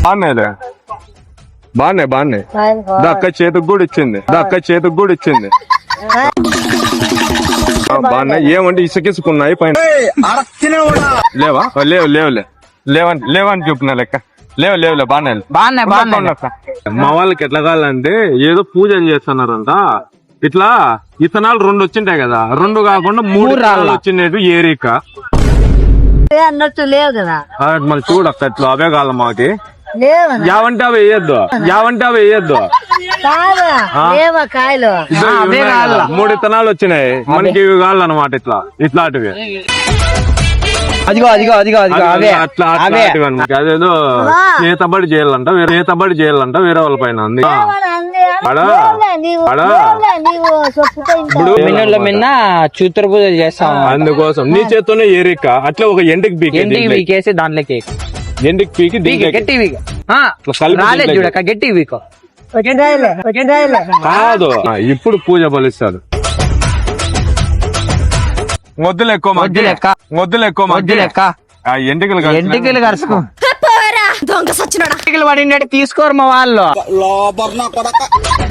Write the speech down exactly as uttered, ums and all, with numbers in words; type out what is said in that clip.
బాగున్నాయిలే, బాగున్నాయి బాగున్నాయి. అక్క చేతికి కూడా ఇచ్చింది, అక్క చేతికి కూడా ఇచ్చింది. బాగున్నాయి. ఏమంటే ఇసుకిసుకున్నాయి పైన. లేవా? లేవు లేవులే, లేవని లేవని చెప్తున్నా లెక్క. లేవు లేవులే, బాగున్నాయి బాగున్నాయి బాగున్నాయి. మా వాళ్ళకి ఎట్లా కావాలంటే ఏదో పూజలు చేస్తున్నారంట. ఇట్లా ఇతనాలు రెండు వచ్చింటాయి కదా, రెండు కాకుండా మూడు రాళ్ళు వచ్చినట్టు ఏరిక అన్నట్టు లేవు కదా. మళ్ళీ చూడక్క ఇట్లా అవే కావాలి మాకి. లేవు యావంటే అవి వేయద్దు, యావంటే అవి వేయద్దు. లేవా కాయలు? మూడు ఇతనాలు వచ్చినాయి మనకి, ఇవి కావాలన్నమాట. ఇట్లా ఇట్లాంటివి అదిగో అదిగో అదిగో అదిగో అవే అట్లా అట్లాంటివి అనమాట. అదేదో చేతబడి చేయాలంట, వేరే చేతబడి చేయాలంట వేరే వాళ్ళ పైన ఉంది. మిన్న చూతర పూజ చేస్తాం, అందుకోసం నీ చేత్తోనే ఏరిక అట్లా ఒక ఎండికి పీకి ఎండికి పీకేసి దాంట్లోకి ఎండికి పీకి గట్టి రాలేదు చూడక గట్టి వీకో కాదు. ఇప్పుడు పూజ బలిస్తాడు. మొద్దులు ఎక్కువ వద్దు లెక్క మొద్దులు ఎక్కువ వద్దు లెక్క ఎంటికలు ఎంటికలు కరుసుకో దొంగ సచ్చినాడు. ఎంటికలు పడినట్టు తీసుకోరు మా వాళ్ళు.